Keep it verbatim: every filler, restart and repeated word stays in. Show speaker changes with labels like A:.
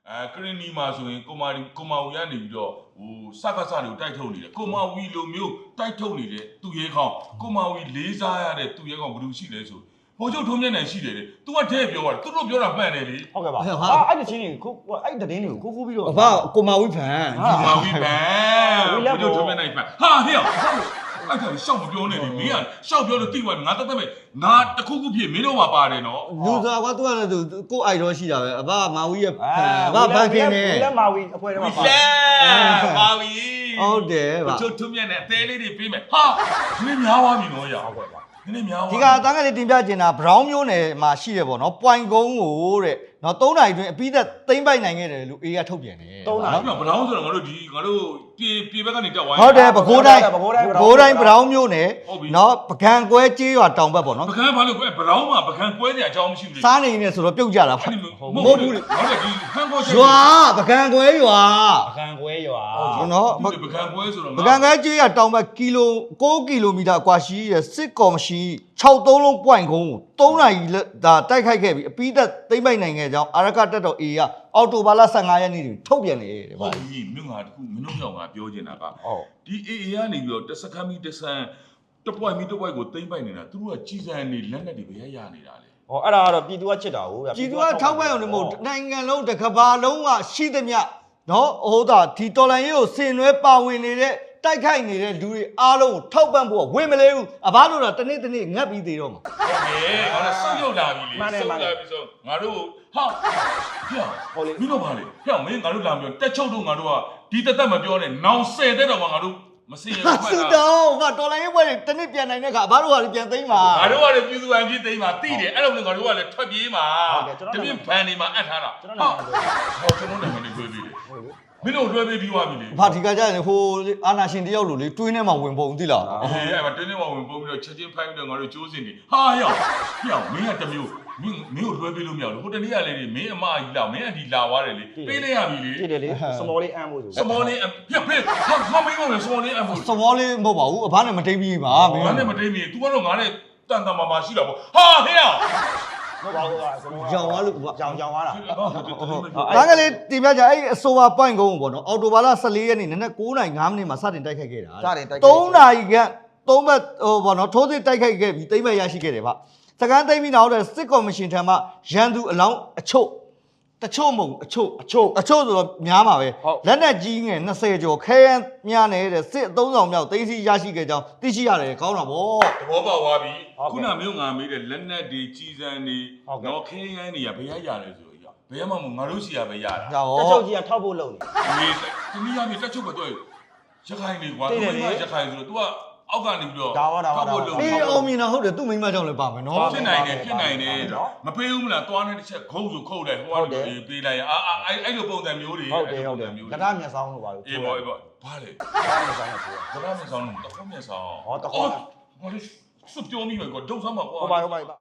A: အဲကရင်နီမှာဆိုရင်ကိုမာကိုမာဝီကနေပြီးတော့ဟိုစကားစားတွေကိုတိုက်ထုတ်နေတယ်ကိုမာဝီလိုမျိုးတိုက်ထုတ်နေတဲ့သူရဲခေါင်းကိုမာဝီလေးစားရတဲ့သူရဲခေါင်းဘယ်လိုရှိလဲဆိုဟိုကျုပ်ထုံးမျက်နှာရှိတယ်လေ तू ကတဲ့ပြောတာသူတို့ပြောတာမှန်တယ်လေ
B: ဟုတ်ကဲ့ပါဟာအဲ့ဒီချင်းတွေကိုအဲ့ဒီသတင်းတွေကိုခိုးခိုးပြီးတော့
C: အဖကိုမာဝီဖန်
A: ကိုမာဝီဖန်ဟိုကျုပ်ထုံးမျက်နှာဖန်ဟာဟဲ့အဲ့ဒါရှောက်မပြောနဲ့လေမင်းကရှောက်ပြောလို့တိသွားငါတက်တက်ပဲငါတခုခုဖြစ်မင်းတို့မှာပါတယ်နော်
C: လူစားကွာ तू ကလည်း तू ကိုအိုက်တော့ရှိတာပဲအဖမာဝီရဲ့အဖဖန်ခင်းနေ
B: လက်မာဝီအဖွဲတော့ပါ
A: လက်မာဝီ
C: ဟုတ်တယ်ဗျ
A: ကျုပ်ထုံးမျက်နှာအသေးလေးတွေပေးမယ်ဟာမင်းများသွားပြီနော်ရဟုတ်ကဲ့ပါဒီနေ့များ
C: ဒီကတန်းကလေးတင်ပြကျင်တာဘရောင်းမျိုးနယ်မှာရှိတယ်ပေါ့နော်ပွိုင်ကုန်းကိုတဲ့နော်သုံးနာရီအတွင်းအပြီးသက်သိမ့်ပိုက်နိုင်ခဲ့တယ်လို့အေးကထုတ်ပြန်တယ်
B: သုံးနာရီ
A: ဘရောင်းဆိုတော့ငါတို့ဒီငါတို့ပြေပြေဘက်ကနေတက်ဝိုင်း
C: ဟုတ်တယ်ပဲခူးတိုင်းပဲခူးတိုင်းဘရောင်းမျိုးနယ်နော်ပကံကွဲကြေးရွာတောင်ဘက်ပေါ့နော်
A: ပကံဘာလို့ကွဲဘရောင်းမှာပကံကွဲနေအကြောင်းမရှိဘူးလေ
C: စားနေနေဆိုတော့ပြုတ်ကြတာ
A: မဟုတ်ဘူးလေဟုတ်တယ်ဒီဟန်ကို
C: ရွာပကံကွဲရွာ
B: ပကံကွဲရွာ
C: နော်
A: ပကံကွဲဆိုတော့
C: ပကံကွဲကြေးရွာတောင်ဘက်ကီလိုကိုးကီလိုမီတာကွာရှိရဲ့စစ်ကော်မရှင်ခြောက်သုံးလုံးပွိုင်ကုန်းကိုသုံးနာရီဒါတိုက်ခိုက်ခဲ့ပြီးအပြီးသက်သိမ့်ပိုက်နိုင်ခဲ့ကြောင်းအာရကတက်တော်အေးကအော်တိုဘာလဆယ်ငါရက်နေ့တွင်ထုတ်ပြန်တယ်တဲ့
A: ဟုတ်ပြီမြို့ငါတခုမင်းတို့ကြောင့်ငါပြောချင်တာကဒီအေအေကနေပြီးတော့တစခမ်းမီတဆန်တပွိုင်မီတပွိုင်ကိုသိမ့်ပိုက်နေတာသူတို့ကကြီးစံနေလက်နဲ့တွေပဲရနေတာလေ
B: ဟောအဲ့ဒါကတော့ပြည်သူကချစ်တာဟုတ်ဗျာ
C: ပြည်သူကထောက်ပံ့အောင်မဟုတ်နိုင်ငံလုံးတစ်ကမ္ဘာလုံးကရှိသမျှနော်ဟိုဒါဒီတော်လန်ရေးကိုဆင်နွှဲပါဝင်နေတဲ့တိုက်ခိုက်နေတဲ့လူတွေအားလုံးကိုထောက်ပံ့ဖို့ဝင်မလဲဘူးအဘလို့တော့တနေ့တနေ့ငတ်ပြီးသေးတော့မှာ
A: ဟုတ်ကဲ့ငါတို့ဆုတ်ရောက်လာပြီလေဆုတ်လာပြီဆိုငါတို့ဟာဟောလေမင်းတို့ပါလေဟဲ့မင်းငါတို့လာပြောတက်ချုပ်တို့ငါတို့ကဒီတသက်မပြောနဲ့နောင်ဆယ်တဲ့တော့ငါတို့မစင်ရဘူး
C: ဆူတောင်းငါတော်လိုင်းဘွဲတနေ့ပြန်နိုင်တဲ့ခါအဘတို့ကလည်းပြန်သိမ်းပါ
A: ငါတို့ကလည်းပြည်သူအကြီးသိမ်းပါတိတယ်အဲ့လိုမျိုးငါတို့ကလည်းထွက်ပြေးပါတပြင်းဖန်နေမှာအပ်ထားတာ
B: ကျွန်တော်
A: ဟောကျွန်တော်နိုင်ငံတွေတွေ့ပြီလေမင်းတို့တွဲပေးပြီးသွားပြီလေ
C: ဘာဒီကကြရင်ဟိုအာနာရှင်တယောက်လိုလေတွင်းထဲမှာဝင်ပုံသိလား
A: အေးအဲ့မှာတွင်းထဲမှာဝင်ပုံပြီးတော့ချက်ချင်းဖိုင်းပြီးတော့ငါတို့ကျိုးစင်နေဟာရောက်ရောက်မင်းကတမျိုးမင်းမင်းကိုတွဲပေးလို့မရဘူးဟိုတနေ့ကလေမင်းအမကြီးလာမင်းအဒီလာသွားတယ်လေပေးလိုက်ရပြီလေ
B: တိတယ်လေစမောလေးအမ်းဖို့ဆို
A: စမောလေးပြဖေးဟာမမင်းကလည်းစမောလေးအမ်းဖို့
C: စမောလေးမဟုတ်ပါဘူးအဖနဲ့မတိတ်ပြီးပါ
A: မင်းကနဲ့မတိတ်ပြီး तू ကတော့ငါနဲ့တန်တန်မာမာရှိတာပေါ့ဟာဟဲ့ရောက်
B: မဟုတ်ပါဘူးကွာ
C: ရောင်သွားလို့
B: ကွာရောင်ရောင်သွားတာ
C: ဒါကလေးတင်ပြကြအဲ့အဆိုပါပွိုင်ကုန်းပေါ့နော်အော်တိုဘာလဆယ်လေးရက်နေ့နနက်9:၀၅မိနစ်မှာစတင်တိုက်ခိုက်ခဲ့တာသုံးနာရီခန့်သုံးဘက်ဟိုပေါ့နော်ထိုးစစ်တိုက်ခိုက်ခဲ့ပြီးသိမ်းမဲ့ရရှိခဲ့တယ်ဗျစကန်သိမ်းပြီးနောက်တဲ့စစ်ကော်မရှင်ထံမှရန်သူအလောင်းအချို့တချို့မဟုတ်အချို့
B: အချို့
C: အချို့ဆိုတော့များမှာပဲလက်နက်ကြီးငယ်၂၀ကျော်ခဲယမ်းများနေတဲ့စစ်အသုံးဆောင်မြောက်သိမ်းဆီးရရှိခဲ့ကြောင်းသိရှိရတယ်ကောင်းတာဗော
A: သဘောပေါက်သွားပြီခုနမျိုးငါမေးတဲ့လက်နက်တွေကြီးစံတွေတော့ခဲယမ်းတွေကဘယ်ရရလဲဆိုတော့ဘယ်မှမငါတို့စီရပဲရတာ
B: တက်ချုပ်ကြီးကထောက်ဖို့လုပ်
A: နေဒီတနည်းအားဖြင့်တက်ချုပ်ကတော့ရခိုင်နေကွာသူကရခိုင်ဆိုတော့ तू ကအောက်ကနေပြီးတော့
B: ဒါဝဒါဝဒါ
C: အေးအောင်မြင်တာဟုတ်တယ်သူ့မိမကြောင့်လည်းပါမယ်နော်
A: ဖြစ်နိုင်တယ်ဖြစ်နိုင်တယ်မပေးဘူးမလားသွားတဲ့တစ်ချက်ခုံးဆိုခုတ်တယ်ဟိုကနေပေးလိုက်အာအဲ့အဲ့လိုပုံစံမျိုးတွေ
B: ဟုတ်တယ်ဟုတ်တယ်ကတားမျက်စောင်းလို့ပါလို့
A: အေးပေါ့အေးပေါ့ဘာလဲ
B: ကတားမျက်စောင်းလို့ပြော
A: ကတားမျက်စောင်းလို့တခုံးမျက်စောင်း
B: ဟောတခုံး
A: ဟောလေစွပြောမိမယ်ကွာဒုတ်ဆမ်းမှာကွာ
B: ဟုတ်ပါဟုတ်ပါ